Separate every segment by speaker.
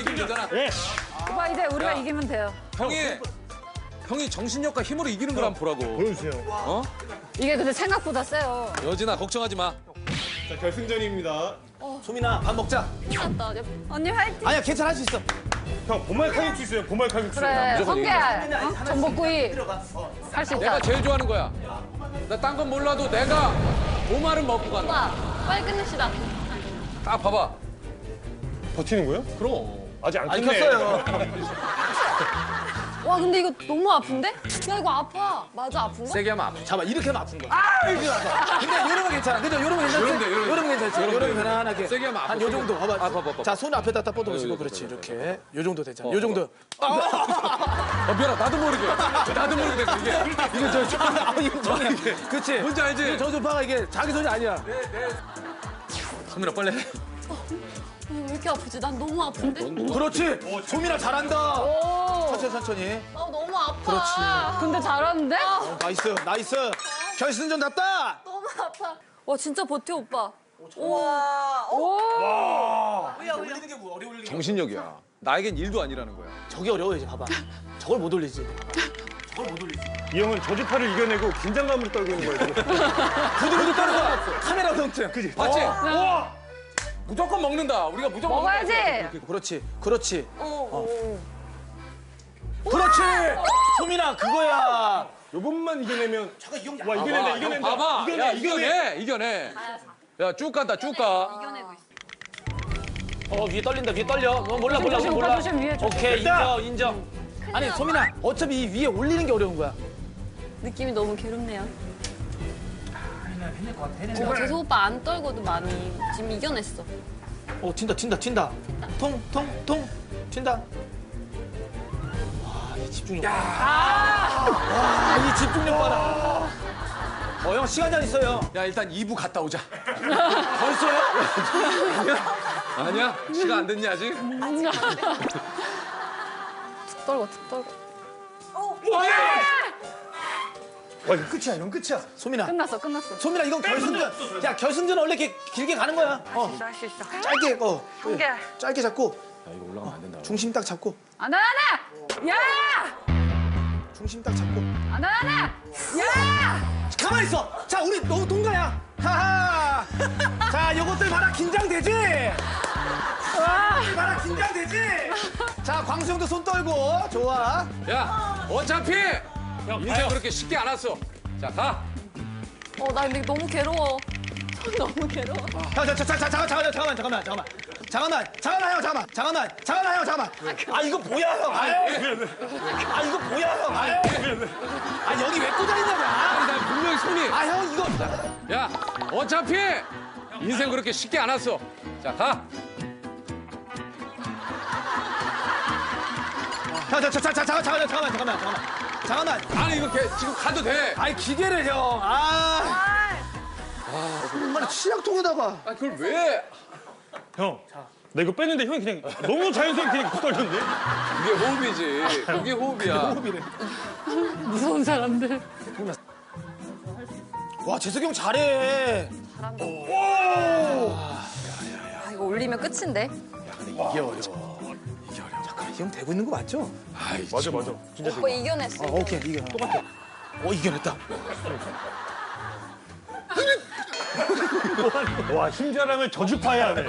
Speaker 1: 이기면 되잖아.
Speaker 2: 예.
Speaker 3: 오빠 이제 우리가 이기면 돼요.
Speaker 1: 형이 정신력과 힘으로 이기는 걸 한번 보라고.
Speaker 2: 보여주세요.
Speaker 1: 어?
Speaker 3: 이게 근데 생각보다 세요.
Speaker 1: 여진아 걱정하지 마.
Speaker 2: 자, 결승전입니다.
Speaker 4: 소민아 밥 먹자.
Speaker 3: 언니 화이팅.
Speaker 4: 아니야 괜찮아 할 수 있어.
Speaker 2: 형, 보말 칼국수 있어요. 보말 칼국수.
Speaker 3: 그래
Speaker 1: 무조건
Speaker 3: 성게 전복구이 할 수
Speaker 1: 내가
Speaker 3: 있다.
Speaker 1: 제일 좋아하는 거야. 나 딴 건 몰라도 내가 보말은 먹고 간다.
Speaker 3: 빨리 끝냅시다.
Speaker 1: 딱 봐봐.
Speaker 2: 버티는 거예요?
Speaker 1: 그럼.
Speaker 2: 아직 안
Speaker 4: 안
Speaker 2: 끝내.
Speaker 4: 켰어요.
Speaker 3: 와 근데 이거 너무 아픈데? 야 이거 아파. 맞아 아픈가?
Speaker 1: 세게 하면 아파.
Speaker 4: 잠깐만 이렇게 하면 아픈 거야. 이렇게 아파. 근데 요러면 괜찮아. 그죠? 요러면 괜찮지?
Speaker 1: 요러면 돼, 요러면 돼.
Speaker 4: 요러면 괜찮지?
Speaker 1: 요러면
Speaker 4: 요러면
Speaker 1: 돼.
Speaker 4: 편안하게.
Speaker 1: 세게 하면 아파,
Speaker 4: 한 요
Speaker 1: 세게.
Speaker 4: 정도. 봐봐.
Speaker 1: 봐봐.
Speaker 4: 자, 손 앞에다 딱 뻗어보시고.
Speaker 1: 그래,
Speaker 4: 그렇지.
Speaker 1: 그래,
Speaker 4: 이렇게. 요 정도 되잖아. 요
Speaker 1: 어,
Speaker 4: 정도.
Speaker 1: 미안하다. 나도 모르게. 나도 모르게 됐어, 이게.
Speaker 4: 이거 인정이야. 그렇지.
Speaker 1: 뭔지 알지?
Speaker 4: 저 소파가 이게 자기 손이 아니야.
Speaker 1: 소민아 빨리 해.
Speaker 3: 왜 이렇게 아프지? 난 너무 아픈데?
Speaker 4: 그렇지. 소민아 잘한다.
Speaker 3: 오.
Speaker 4: 천천히.
Speaker 3: 아 너무 아파.
Speaker 4: 그렇지.
Speaker 3: 근데 잘하는데?
Speaker 4: 나이스. 결승전 났다.
Speaker 3: 너무 아파. 와 진짜 버텨 오빠.
Speaker 4: 올리는 게 뭐 어려울 리
Speaker 1: 정신력이야. 나에겐 일도 아니라는 거야.
Speaker 4: 저게 어려워 이제 봐봐. 저걸 못 올리지.
Speaker 2: 이 형은 저주파를 이겨내고 긴장감을 떨고 있는 거예요. 지금.
Speaker 4: 부들부들 떠는 거야. 카메라 성증. 그지?
Speaker 1: 봤지?
Speaker 2: 우와!
Speaker 1: 무조건 먹는다. 우리가 무조건
Speaker 3: 먹어야지.
Speaker 4: 그렇지. 그렇지. 소민아 그거야.
Speaker 2: 요것만 이겨내면.
Speaker 4: 잠깐 이 형.
Speaker 2: 와, 이겨낸다.
Speaker 1: 봐봐.
Speaker 2: 이겨내,
Speaker 1: 야,
Speaker 2: 이겨내.
Speaker 1: 이겨내. 야, 쭉 간다, 쭉 가.
Speaker 3: 이겨내고 있어.
Speaker 4: 위에 떨린다. 위에 떨려. 몰라.
Speaker 3: 조심, 오빠 조심, 위에 조심.
Speaker 4: 오케이
Speaker 2: 됐다.
Speaker 4: 인정. 아니 소민아 어차피 이 위에 올리는 게 어려운 거야.
Speaker 5: 느낌이 너무 괴롭네요. 재석 오빠 안 떨고도 많이 지금 이겨냈어.
Speaker 4: 튄다. 통. 튄다. 와, 이 집중력. 와, 이 집중력 봐라. 형 시간 잘 있어요.
Speaker 1: 야, 일단 2부 갔다 오자.
Speaker 4: 벌써요?
Speaker 1: 아니야? 시간 안 됐니, 아직?
Speaker 3: 툭 떨고.
Speaker 2: 와, 이거 끝이야. 이건 끝이야.
Speaker 4: 소민아.
Speaker 3: 끝났어.
Speaker 4: 소민아 이건 결승전. 야 결승전 원래 이렇게 길게 가는 거야.
Speaker 3: 할 수 있어.
Speaker 4: 짧게
Speaker 3: 개.
Speaker 4: 짧게 잡고
Speaker 1: 야, 이거 올라가면 안 된다.
Speaker 4: 중심 딱 잡고
Speaker 3: 안아. 야!
Speaker 4: 중심 딱 잡고.
Speaker 3: 안아. 야!
Speaker 4: 가만히 있어. 자 우리 너무 동가야. 하하. 자 요것들 봐라 긴장되지. 봐라 긴장되지. 자 광수 형도 손 떨고 좋아.
Speaker 1: 야, 어차피 인생 그렇게 쉽게 안 왔어. 자, 가.
Speaker 5: 나 근데 너무 괴로워. 너무 괴로워.
Speaker 4: 잠깐만 형. 아 이거 뭐야 형. 아 이거 뭐야 형. 아 여기 왜 꽂아 있냐고.
Speaker 1: 아니, 나 분명히 손이.
Speaker 4: 아 형 이거.
Speaker 1: 야, 어차피 인생 그렇게 쉽게 안 왔어. 자, 가.
Speaker 4: 잠깐만.
Speaker 1: 아니, 이거 지금 가도 돼.
Speaker 4: 아이 기계를 형. 정말 치약통에다가.
Speaker 1: 아, 그걸 왜?
Speaker 2: 형, 나 이거 뺐는데 형이 그냥 너무 자연스럽게 그냥 떨렸는데?
Speaker 1: 그게 호흡이지. 그게 호흡이야.
Speaker 3: 무서운 사람들.
Speaker 4: 와 재석이 형 잘해.
Speaker 5: 아, 이거 올리면 끝인데?
Speaker 4: 이게 어려워. 잠깐 이 형 되고 있는 거 맞죠?
Speaker 1: 아이,
Speaker 2: 맞아. 진짜
Speaker 5: 오빠 이겨냈어.
Speaker 4: 오케이 이겨. 똑같아. 이겨냈다.
Speaker 2: 와, 힘자랑을 저주파에 하네.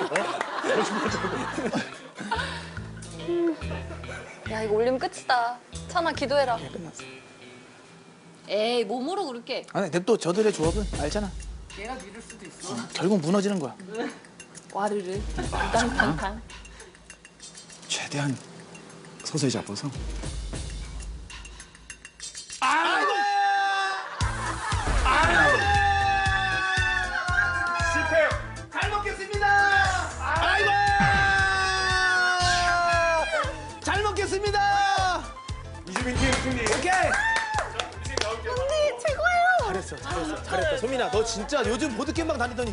Speaker 5: 야 이거 올리면 끝이다. 찬아 기도해라.
Speaker 4: 끝났어.
Speaker 5: 에이 몸으로 그렇게.
Speaker 4: 아니 근데 또 저들의 조합은 알잖아.
Speaker 3: 얘가 믿을 수도 있어.
Speaker 4: 결국 무너지는 거야.
Speaker 5: 와르르. 탕탕탕.
Speaker 6: 최대한 서서히 잡아서
Speaker 2: 실패.
Speaker 4: 잘 먹겠습니다. 아이고. 잘 먹겠습니다.
Speaker 2: 이주민 팀 승리.
Speaker 4: 오케이. 언니 최고예요. 잘했어. 소민아 너 진짜 요즘 보드게임방 다니더니